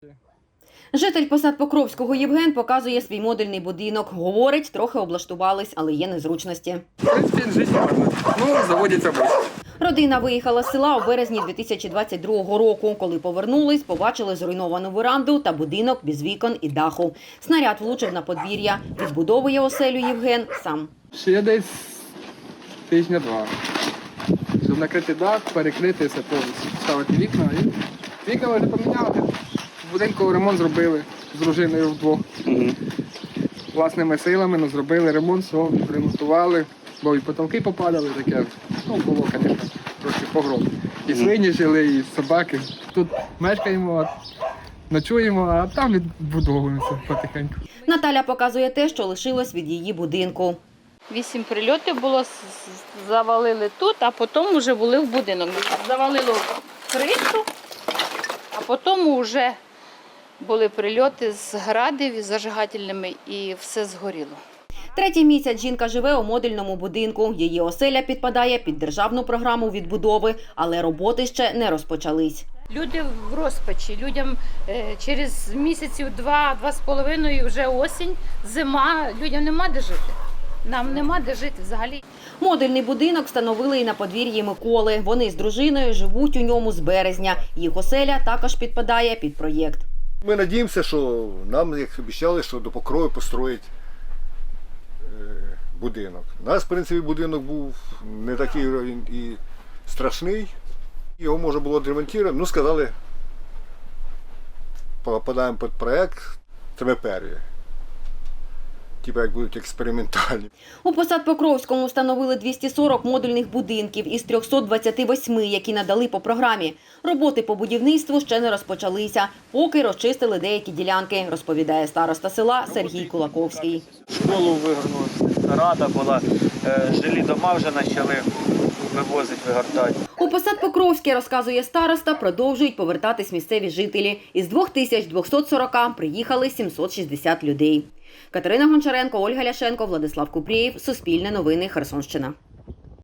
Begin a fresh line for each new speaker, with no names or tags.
Житель Посад-Покровського Євген показує свій модульний будинок. Говорить, трохи облаштувались, але є незручності.
В принципі, жити можна. Ну, заводиться швидко.
Родина виїхала з села у березні 2022 року. Коли повернулись, побачили зруйновану веранду та будинок без вікон і даху. Снаряд влучив на подвір'я. Відбудовує оселю Євген сам.
Ще десь тижня-два. Щоб накрити дах, перекрити все повністю. Ставити вікна. І вікна вже поміняли. В будинку ремонт зробили з дружиною вдвох. Власними силами, ну, зробили ремонт, все, ремонтували. Бо і потолки попадали, таке. Ну, було, звісно, трохи погром. І свині жили, і собаки. Тут мешкаємо, ночуємо, а там відбудовуємося потихеньку.
Наталя показує те, що лишилось від її будинку.
8 прильотів було, завалили тут, а потім вже були в будинок. Завалило кришу, а потім вже були прильоти з градів, із зажигательними, і все згоріло.
Третій місяць жінка живе у модульному будинку. Її оселя підпадає під державну програму відбудови, але роботи ще не розпочались.
Люди в розпачі, людям через місяців 2-2,5 вже осінь, зима, людям нема де жити. Нам нема де жити взагалі.
Модульний будинок встановили і на подвір'ї Миколи. Вони з дружиною живуть у ньому з березня. Їх оселя також підпадає під проєкт.
Ми сподіваємося, що нам, як обіцяли, що до Покрови построять будинок. У нас, в принципі, будинок був не такий і страшний. Його можна було відремонтувати. Ну, сказали, попадаємо під проєкт, це ми перві. Типа як будуть експериментальні.
У Посад-Покровському встановили 240 модульних будинків із 328, які надали по програмі. Роботи по будівництву ще не розпочалися, поки розчистили деякі ділянки, розповідає староста села Сергій Кулаковський.
Школу вигорнули, рада була, жилі дома вже почали вивозити, вигортати.
У Посад-Покровське, розказує староста, продовжують повертатись місцеві жителі. Із 2240 приїхали 760 людей. Катерина Гончаренко, Ольга Ляшенко, Владислав Купрієв. Суспільне новини. Херсонщина.